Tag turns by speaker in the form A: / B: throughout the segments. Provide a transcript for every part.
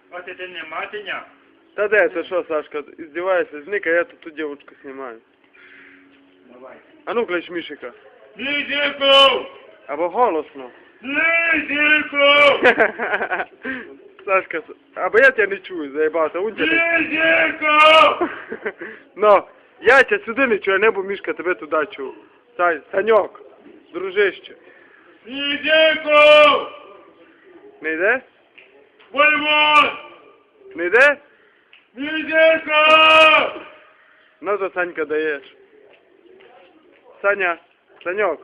A: Вот это не матиня.
B: Да да, это что, Сашка, издеваешься? Извини-ка, я тут девушку снимаю.
A: Давай.
B: А ну, клич Мишика.
A: Лизику!
B: Або голосно.
A: Лизику!
B: Сашка, або я тебя не чую, заебался, он тебя не...
A: Лизику!
B: Но, я тебя сюди не чую, а небо Мишка тебе туди чув. Саньок, дружище.
A: Лизику!
B: Не йде?
A: Воевод!
B: Не йде?
A: Лизику!
B: Ну, то Санька даєш. Саня, Санек,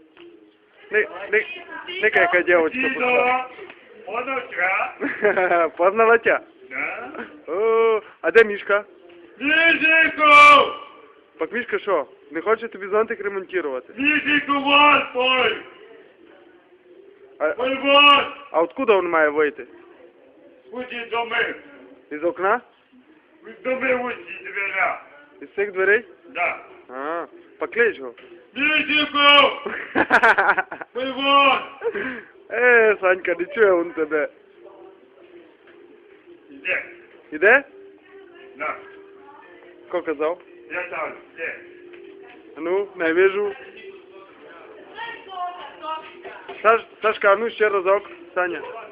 B: не-ка яка девочка пошла.
A: Подочка?
B: Познала тебя?
A: Да?
B: О, а де Мішка?
A: Лизику!
B: Так Мішка що, не хоче тобі зонтик ремонтувати?
A: Лизику, вон, пой!
B: А
A: Воевод!
B: откуда він має вийти?
A: Уйди доми!
B: Із окна?
A: Доми уйди, двера!
B: Із цих дверей?
A: Да!
B: А, поклич його.
A: Лизику! Воевод!
B: Санька, не чує він тебе.
A: Иди!
B: Іде?
A: Да!
B: Ко казав?
A: Я там, иди!
B: Ну, не вижу. Сашка, а ну ще разок. Саня.